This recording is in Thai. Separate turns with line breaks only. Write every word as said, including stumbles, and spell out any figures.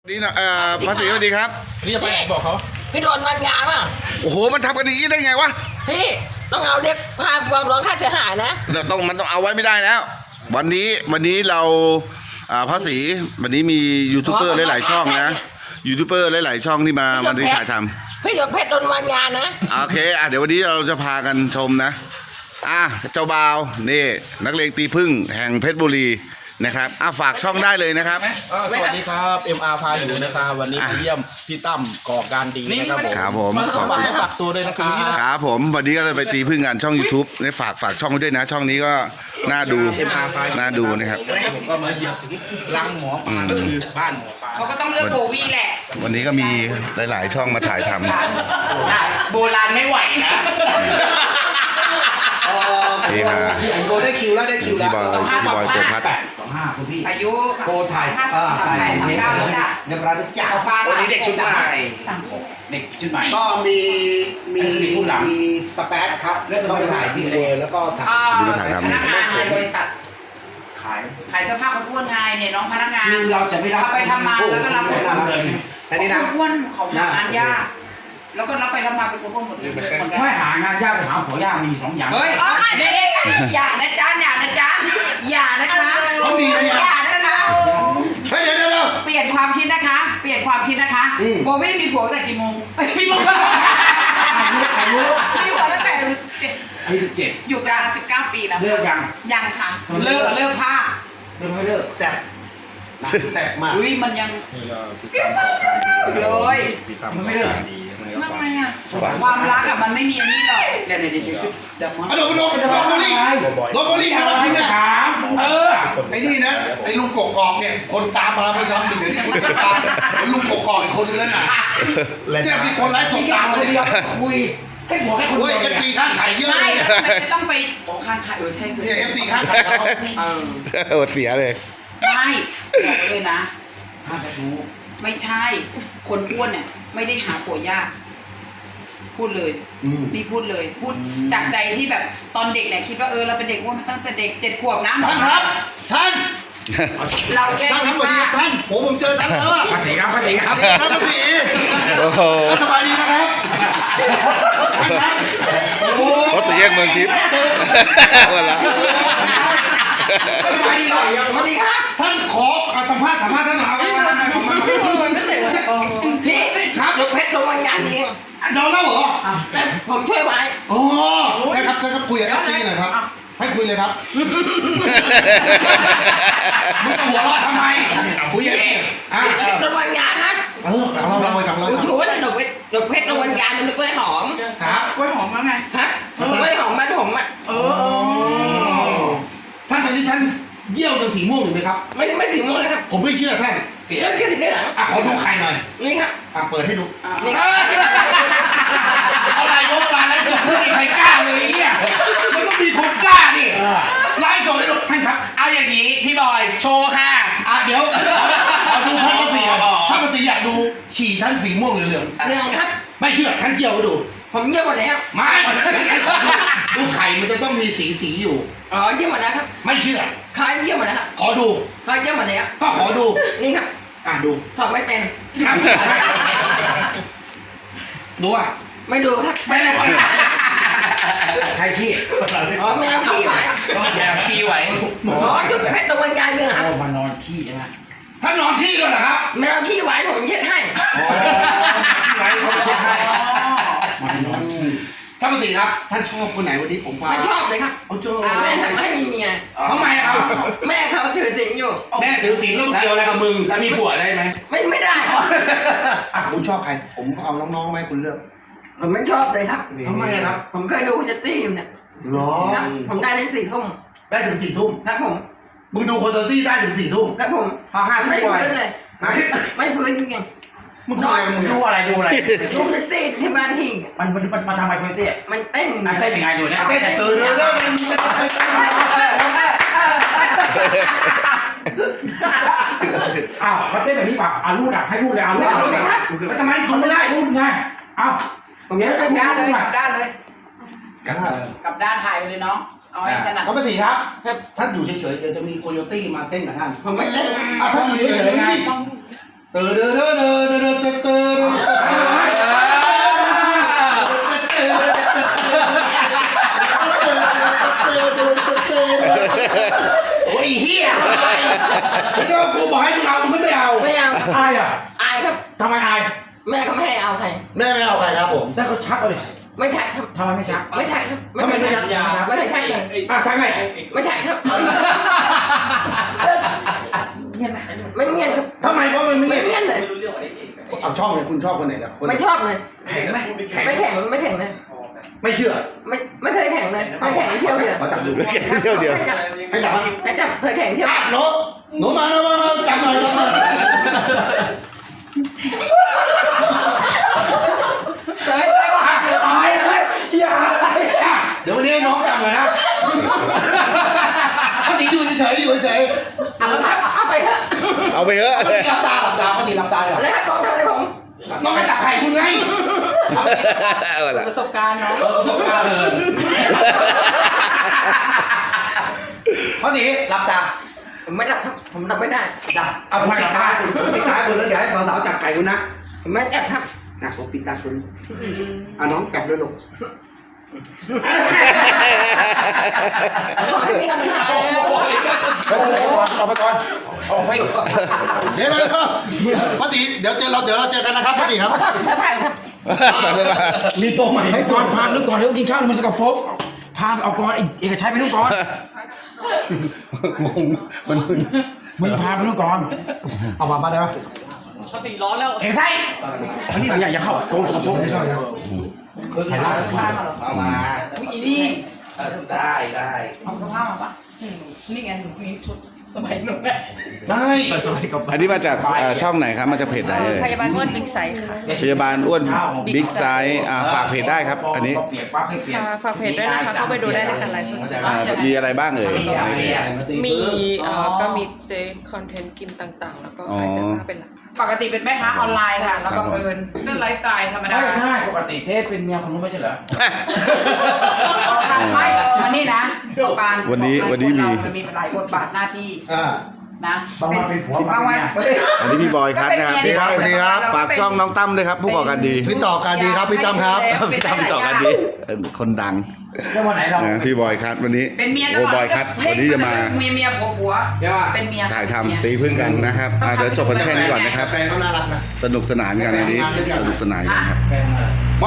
นี่นะเอ่อภาษีสวัสดีครับ
พี่จะไปไหนบอกเขา
พี่โดนมันยาป่ะ
โอ้โหมันทำกันอย่างนี้ได้ไงวะ
พี่ต้องเอาเรียกค่าความร้องค่าเสียหายนะ
ต้องมันต้องเอาไว้ไม่ได้แล้ววันนี้วันนี้เราอ่าภาษีวันนี้มียูทูบเบอร์หลายๆช่องนะยูทูบเบอร์หลายๆช่องที่มามาที่ถ่ายท
ำพี่หยดเพชรโดนมันยานะ
โอเคอ่ะเดี๋ยววันนี้เราจะพากันชมนะอ่ะเจ้าบ่าวนี่นักเลงตีพึ่งแห่งเพชรบุรีนะครับอ่ะฝากช่องได้เลยนะครับ
สวัสดีครับ เอ็ม อาร์ พาอยู่นะครับวันนี้มาเยี่ยมพี่ตั้มก่อการดีนะครับผม
ครับผม
ฝากให้ฝากตัวด้วยนะครับ
ครับผมวันนี้ก็เลยไปตีพึ่งกันช่อง YouTube ในฝากฝากช่องด้วยนะช่องนี้ก็น่าดูน่าดูนะครับ
ผมก็มาเยี่ยมถึงรังหมอปลาก็คือบ้านหมอปลา
เขาก็ต้องเลือกโบวี่แหละ
วันนี้ก็มีหลายๆช่องมาถ่ายท
ำโบราณไม่ไหวนะ
นี่ค่ะ
โกได้คิวแล้วได้คิวแล้ว
พี่บอยพี่บอยโกพัด
อายุ
โกถ่ายอ่าถ่ายคอนเทนต์เรียบร้อยจ้า
วันนี้เด็กชุดใหม่เด็กชุดใหม่
ก็มีมีมีสเปซครับต้องไปถ่ายดีเวอร์แล้วก็ถ่าย
พนักงานในบริษัทขายขายเสื้อผ้าเขาอ้วนไงเนี่ยน้องพนักงาน
คือเราจะไม่รับ
ไปทำมาแล้วก็รับผล
เลยแต่นี่นะ
อ้วนเขาหางานยากแล้วก็รับไปรับมาเป็นคนอ้วนหมดเลย
ไม่หางานยากไปหาผัวยากมีสองอย่าง
เฮ้ยเด็กๆอย่านะจ๊ะอย่านะจ๊ะอย่านะคะ
เขามีนะ
อย่านะคะ
เฮ้ยเดี๋ยวเดี๋ยว
เปลี่ยนความคิดนะคะเปลี่ยนความคิดนะคะโบวี่มีผัวตั้งแต่กี่โมงมีผัว
อายุ
มีผัวตั้งแต่อายุสิบเจ็ด
อายุสิบเจ็ด
อยู่กันสิบเก้าปีแล้ว
เลิกยัง
ยังค่ะเลิกกับเลิกผ้า
เลิกไม่เลิก
แซ่บแซ่บมาก
อุ้ยมันยังเลย
มันไม่เลิก
ทำไมอ่ะความรักอ่ะมันไม่มีอันนี้หรอกเดี๋ยวเดี๋ยวเดี๋ยวเดี๋ยว
มาโดนโดนโดนบุรีโดนบุรีอะไรเนี่ย
ถามเออ
ไอ้นี่นะไอ้ลุงกกอกเนี่ยคนตามมาประจำถึงเดี๋ยวนี้คนตามไอ้ลุงกกอกอีกคนนึงแล้วนะเนี่ยมีคนไลฟ์สดตามมาเนี่ย
คุยแค่หัวแค่คน
เดียวเอฟซีข้างไข่เยอะเลยเนี่ย
ไม่ต้องไปโอ้ข้างไข่เออใช่
เนี่ยเอฟซีข้างไข่เขา
เออเสียเลย
ไม่บอกเลยนะ
ห้ามจะชู้
ไม่ใช่คนอ้วนเนี่ยไม่ได้หาผัวยากพูดเลยนี่พูดเลยพูดจากใจที่แบบตอนเด็กเนี่ยคิดว่าเออเราเป็นเด็กอ้วนมาตั้งแต่เด็กเจ็ดขวบนะ
ท่านครับท่าน
เราแค่
ท่านครับสวัสดีท่านผมผมเจอท่านแล้วอ่ะ
ภาษีครับภาษีครับ
ท่านภาษีโอ้โหสบายดีนะครับท่านครับ
โอ้ภาษีแยกเมืองทิพย์วันละ
สบายดีครับ
สวัสดีครับ
ท่านขอสัมภาษณ์สัมภาษณ์ท่านหน่อย
พี่ครับยกเพชรลงวันงานเอง
โดนแล้วเหรอ
ผมช่วยไว้
โอ้ใช่ครับใช่ครับคุยกับเอฟซีหน่อยครับให้คุยเลยครับมึงจะหัวเราะทำไมคุยยังไงอ่ะ
ลงวันงานครับ
เออเราเราไปฟังเรา
ชูว่าหนูหนูเพชรลงวันงานมันกล้วยหอม
ครับ
กล้วยหอมมั้งไงครับกล้วยหอมบ้านผมอ่ะ
เออท่านตอนนี้ท่านเยี่ยวจนสีม่วงหรือไหมครับ
ไม่ไม่สีม่วงนะครับ
ผมไม่เชื่อท่าน
เรื่องแค่สีได้หรอ
อ่ะขอดูไข่หน่อย
นี่ครับ
อ่ะเปิดให้ดู
นี่
อะไรวะเวลาไลฟ์สดไม่มีใครกล้าเลยเนี่ยมันต้องมีคนกล้าดิไลฟ์สดให้ดูท่านครับ
เอาอย่างนี้พี่บอยโชว์ค่ะ
อ่ะเดี๋ยวเอาดูท่านภาษีท่านภาษีอยากดูฉี่ท่านสีม่วงหรือเหลือง
เหลืองครับ
ไม่เชื่อท่านเกี่ยวให้ดู
ผมเยี่ยมหมดแล้ว
ไม่ดูไข่มันจะต้องมีสีสีอยู่
อ๋อเยี่ยมหมดแล้วครับ
ไม่เชื่อ
ใครเยี่ยมหมดแล้วครับ
ขอดู
ใครเยี่ยมหมดแล้ว
ก็ขอดู
นี่ครับ
อ่ะดู
ถอดไม่เป็น
ดูอ่ะ
ไม่ดูครับไม่ได้
ใครขี้
อ๋อแมวขี้ไหว
แมวขี้ไหว
อ๋อจุดเพชรตรงวันกายเนี่ยครับ
มานอนขี้ใช่ไหม
ท่านนอนขี้ด้วยเหรอครับ
แมวขี้ไหวผมเช็ดให้
อ๋อขี้ไหวผมเช็ดให้
มานอนขี้
ท่านภาษีครับท่านชอบคนไหนวันนี้ผมว่า
ไม่ชอบเลยครับ
เอาชอบ
แม่ทำให้มีเมีย
ทำไมครับ
แม่เขาถือศีลอยู่
แม่ถือศีลแล้วเกี่ยวอะไรกับมึง
แล้วมีผัวได้ไหมไม่ไม่ได้
อ่ะคุณชอบใครผมเอาน้องๆไหมคุณเลือก
ผมไม่ชอบเลยครับ
ทำไมครับ
ผมเคยดูคุณจะตี้อยู่เนี่ย
หรอ
ผมได้ถึงสี่ทุ่ม
ได้ถึงสี่ทุ่ม
ครับผม
มึงดูคนจะตี้ได้ถึงสี่ทุ่ม
ครับผม
พอห้าทุ่มไป
เลยไม่ฟื้นจริง
มึงดูอะไรมึง
ดูอะไรดูอะไร
ดูคุณตี้ที่บ้านทิ้ง
มันมันมันมาทำอะไรคุณตี้
มันเต้น
มันเต้นยังไงดูนะ
เต้นตื่นเลยแล้วมัน
อ้าวเขาเต้นแบบนี้ป่ะอารูดอ่ะให้รูดเลยอารูด
แล้วทำไมคุณไม่ได้
รูดไงอ้าว
ตรงนี้กลับด้านเลยกลับด้านเลย
ก
ลับด้านถ่ายไปเลยเนาะเอาให้ถนัด
ก็ไม่สิครับท่านอยู่เฉยๆเดี๋ยวจะมีโคโยตี้มาเต้นกับท่าน
ผมไม่เต้น
อ่ะท่านอยู่เฉยๆไงเตอเดอเดอเดอเดอเดอเดอเดอโอ้ยเฮียพี่ก็กูบอกให้มึงเอามึงไม่เอา
ไม่เอา
อายอ่ะ
อายครับ
ทำไมอาย
แม่เขาไม่ให้เอาใคร
แม่ไม่เอาใครครับผม
ถ้าเขาชักเอาเลย
ไม่ทักครับ
ทำไมไม่ชัก
ไม่ทักครับ
ทำไมไม่ทัก
ไม่ทักทักเลย
อ่ะชักไง
ไม่ทักครับ
เงียบไหม
ไม่เงียบครับ
ทำไมเพราะมันไม่
ไม่
เงียบ
เงียบเลย
เอาช่องเลยคุณชอบคนไหนนะคน
ไม่ชอบเลย
แข็งไหม
ไม่แข่งไม่แข่งเลย
ไม่เชื่อ
ไม่ไม่เคยแข่งเลยไม่แข่งเที่ยวเดียว
มาจับดู
แค่เที่ยวเดียว
ให้จับ
ให้จับมา
ให้จับเคยแข่งเที่ยว
อ่ะหนูหนูมาหนูมามาจับหน่อยจับหน่อย
เฮ้ยอายเลยอย่าอาย
อ่ะเดี๋ยววันนี้ให้น้องจับหน่อยนะป้าตีอยู่เฉยๆอยู่เฉยๆ
เอาครับเอาไปเถอะ
เอาไปเถอะ
ป้าตีหลับตาหลับตาป้าตีหลับตาเลย
แล้วถ้าน้องทำอะไรผม
น้องให้จับไข่คุณไง
เอาละ
ประสบการณ์เนาะ
เออประสบการณ์เลยป้าตีหลับตา
ผมไม่รับครับผมรับไม่ได้
จับเอาผมปิดตาคุณผมปิดตาคุณแล้วเดี๋ยวให้สาวๆจับไก่คุณนะ
ผมไม่จับครับ
อ่ะผมปิดตาคุณอ่ะน้องจับเลยลูก
ขอให้มีกำลังใจ
ออกไปก่อนออกไปก่อน
เดี๋ยวเดี๋ยวป้าตีเดี๋ยวเจอเราเดี๋ยวเราเจอกันนะครับป้าตีครับ
ขอโทษเสื้อผ้าครับ
ตัดเสื้อผ้า
มีตัวใหม่
ให้ก่อนพาลูกก่อนเดี๋ยวกินข้าวมันสกปรกพาเอาก่อนเอกชัยไปลูกก่อน
งงมันมึน
มึงพาไปลูกก่อน
เอามามาได้ปะ
เอกชัยอันนี้อย่าอย่าเข้าโกงสกปรก
ไม่เข้าแล้วเออถ่ายรูปเอามา
อุ๊ยอีนี่
ได้ได้
เอาสภาพมาปะอืมนี่ไงหนูมีชุดสมัยหนูแหละ
ได้สบายกับ
อันนี้มาจากเอ่อช่องไหนครับมาจากเพจไหนเอ่ย
พยาบาลอ้วนบิ๊กไซส์ค่ะ
พยาบาลอ้วนบิ๊กไซส์อ่าฝากเพจได้ครับ อันนี้
เปลี่ยนปั๊บให้เปลี่ยน
ค่ะฝากเพจด้วยนะคะ เข้าไปดูได้นะคะไลฟ์สด
อ่ามีอะไรบ้างเอ่ย
มีเอ่อก็มีเจคอนเทนต์กินต่างๆ แล้วก็ขายเสื้อผ้าเป็นหลัก
ปกติเป็นแม่ค้าออนไลน์ค่ะ แล้วบังเอิญเรื่องไลฟ์สไตล์ธรรมดา
ไม่ใช่ปกติเทสเป็นเมียคนนู้นไม่ใช่เหรอ
ออกทางไม่มานี่นะปาน
วันนี้วันนี้มี
มันมีหลายบทบาทหน้าที่
อ่า
นะ
บางวันเป็นผัว
บางวัน
อันนี้พี่บอยคัทนะครับ
สวัสดีครับ
ฝากช่องน้องตั้มด้วยครับ ผู้ก่อการดี
พี่ต่อการดีครับพี่ตั้มครับ
พี่ตั้มต่อการดีเออคนดัง
แล้ววันไหนเรา
นะพี่บอยคัทวันนี้
เป็นเมียต
โอ้
ลอด
บอยคัทวันนี้จะมา
เมียเมียผัวผัว
ใช่ป่ะ
เป็นเมีย
ถ่ายทำตีพึ่งกันนะครับอ่ะเดี๋ยวจบกันแค่นี้ก่อนนะครับ
แฟนเขาน่ารักนะ
สนุกสนานกันอันนี้สนุกสนานกันครับ
แกงอะไร